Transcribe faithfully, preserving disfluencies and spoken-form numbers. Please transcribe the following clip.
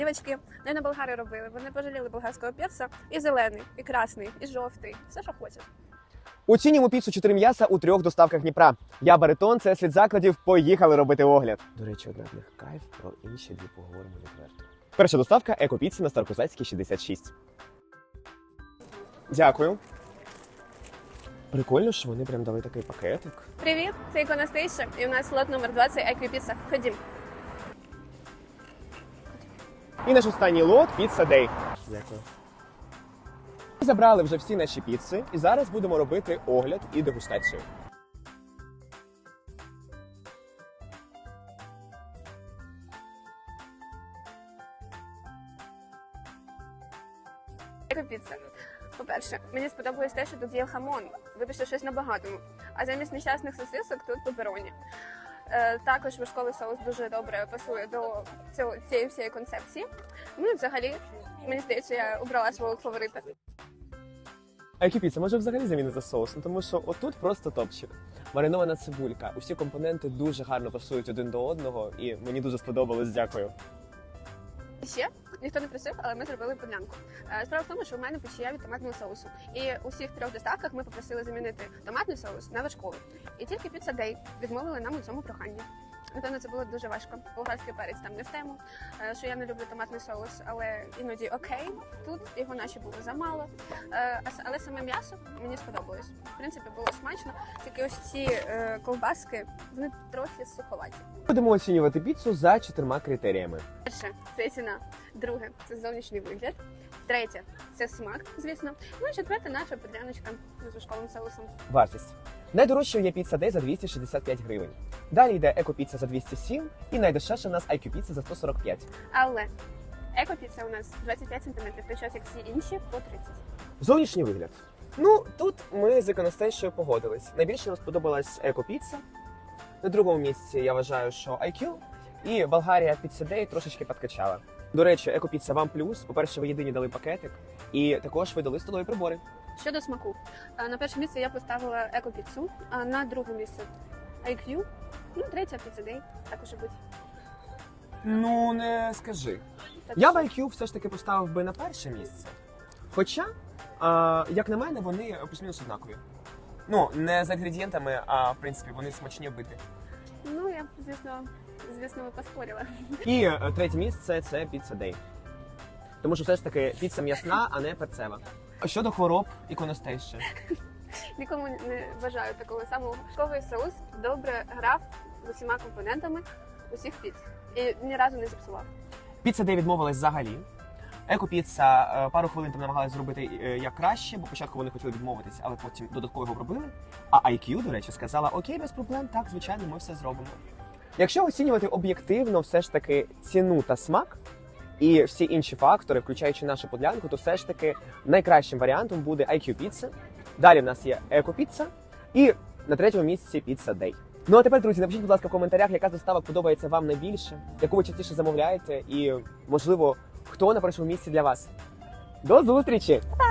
Дівчатки, не на болгари робили, вони пожаліли болгарського перця і зелений, і красний, і жовтий, все, що хочеш. Оцінюємо піцу чотири м'яса у трьох доставках Дніпра. Я Баритон, це слід закладів, поїхали робити огляд. До речі, одна з них кайф, про інші дві поговоримо відверто. Перша доставка – екопіца на Старокозацькій шістдесят шість. Дякую. Прикольно, що вони прям дали такий пакетик. Привіт, це Іконостейшн, і у нас лот номер двадцять Еквіпіца. Ходім. І наш останній лот – Pizza Day. Дякую. Ми забрали вже всі наші піци, і зараз будемо робити огляд і дегустацію. Екопіца. По-перше, мені сподобалось те, що тут є хамон. Вибачте, щось на багатому. А замість нещасних сосисок тут пепероні. Е, також вершковий соус дуже добре пасує до цього, цієї всієї концепції. Ну і взагалі, мені здається, я обрала свого фаворита. А екопіца може взагалі замінити соус? Ну, тому що отут просто топчик. Маринована цибулька. Усі компоненти дуже гарно пасують один до одного, і мені дуже сподобалось, дякую. Ще ніхто не просив, але ми зробили подлянку. Е, Справа в тому, що в мене печія від томатного соусу. І у всіх трьох доставках ми попросили замінити томатний соус на вершковий. І тільки Pizza Day відмовили нам у цьому проханні. Напевно, це було дуже важко. Болгарський перець там не в тему, е, що я не люблю томатний соус, але іноді окей. Тут його наче було замало. Е, а с- Але саме м'ясо мені сподобалось. В принципі, було смачно. Тільки ось ці е, ковбаски, вони трохи суховаті. Будемо оцінювати піцу за чотирма критеріями. Перше це ціна, друге це зовнішній вигляд, третє це смак, звісно. Ну і четверте наша подряночка з вершковим соусом. Вартість. Найдорожчою є Pizza Day за двісті шістдесят п'ять гривень. Далі йде екопіца за двісті сім і найдешевша у нас ай кью Pizza за сто сорок п'ять. Але екопіца у нас двадцять п'ять сантиметрів, в той час як всі інші по тридцять. Зовнішній вигляд. Ну, тут ми з Іконостейшою погодились. Найбільше нам сподобалась екопіца. На другому місці я вважаю, що ай кью. І Болгарія Pizza Day трошечки підкачала. До речі, екопіца вам плюс. По-перше, ви єдині дали пакетик. І також ви дали столові прибори. Щодо смаку, е, на перше місце я поставила екопіцу, а на друге місце ай кью, ну третє Pizza Day, також і будь. Ну, не скажи. Так Я що- б ай кью все ж таки поставив би на перше місце. Хоча, а, як на мене, вони плюс-мінус однакові. Ну, не за інгредієнтами, а в принципі вони смачні вбити. Ну я б, звісно, звісно, поспорила. І е, третє місце це Pizza Day. Тому що все ж таки піца м'ясна, а не перцева. Щодо хвороб Іконостейші. Нікому не бажаю такого самого. Вершковий соус добре грав з усіма компонентами усіх піц. І ні разу не зіпсував. Pizza Day відмовилась взагалі. Екопіца е, пару хвилин там намагалась зробити е, як краще, бо спочатку вони хотіли відмовитись, але потім додатково його пробили. А ай кью, до речі, сказала: окей, без проблем, так, звичайно, ми все зробимо. Якщо оцінювати об'єктивно все ж таки ціну та смак і всі інші фактори, включаючи нашу подлянку, то все ж таки найкращим варіантом буде ай кью Pizza. Далі в нас є екопіца і на третьому місці Pizza Day. Ну а тепер, друзі, напишіть, будь ласка, в коментарях, яка з доставок подобається вам найбільше, яку ви частіше замовляєте і, можливо, хто на першому місці для вас. До зустрічі!